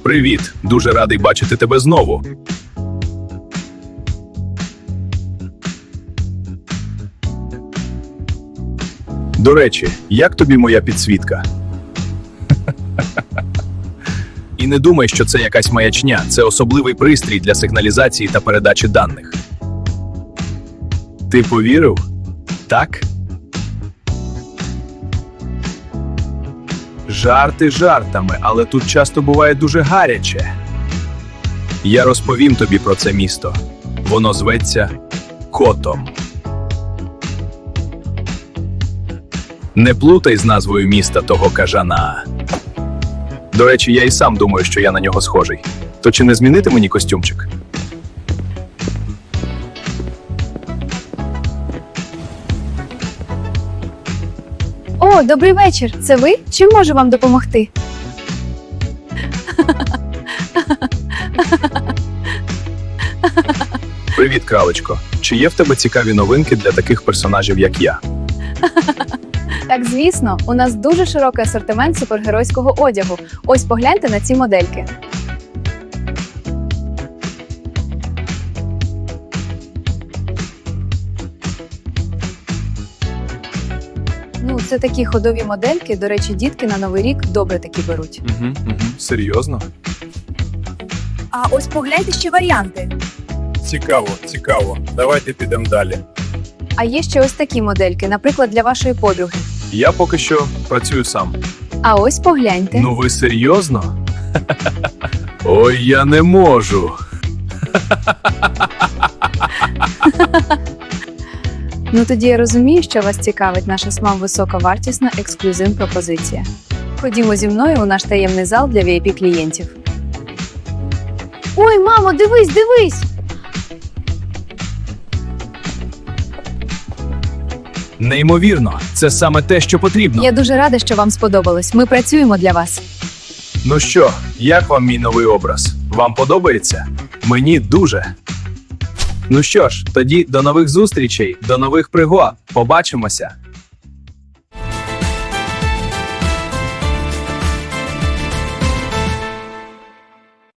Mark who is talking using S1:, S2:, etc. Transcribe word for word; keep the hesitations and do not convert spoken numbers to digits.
S1: Привіт! Дуже радий бачити тебе знову. До речі, як тобі моя підсвітка? І не думай, що це якась маячня. Це особливий пристрій для сигналізації та передачі даних. Ти повірив? Так? Жарти жартами, але тут часто буває дуже гаряче. Я розповім тобі про це місто. Воно зветься Котом. Не плутай з назвою міста того кажана. До речі, я і сам думаю, що я на нього схожий. То чи не змінити мені костюмчик?
S2: О, добрий вечір. Це ви? Чим можу вам допомогти?
S1: Привіт, кралечко. Чи є в тебе цікаві новинки для таких персонажів, як я?
S2: Так, звісно, у нас дуже широкий асортимент супергеройського одягу. Ось погляньте на ці модельки. Ну, це такі ходові модельки. До речі, дітки на Новий рік добре такі беруть.
S1: Угу, угу. Серйозно?
S2: А ось погляньте ще варіанти.
S3: Цікаво, цікаво. Давайте підемо далі.
S2: А є ще ось такі модельки, наприклад, для вашої подруги.
S1: Я поки що працюю сам.
S2: А ось погляньте.
S1: Ну ви серйозно? Ой, я не можу.
S2: Ну тоді я розумію, що вас цікавить наша смам високовартісна ексклюзив пропозиція. Ходімо зі мною у наш таємний зал для ві ай пі клієнтів. Ой, мамо, дивись, дивись!
S1: Неймовірно, це саме те, що потрібно.
S2: Я дуже рада, що вам сподобалось. Ми працюємо для вас.
S1: Ну що, як вам мій новий образ? Вам подобається? Мені дуже. Ну що ж, тоді до нових зустрічей, до нових пригод. Побачимося.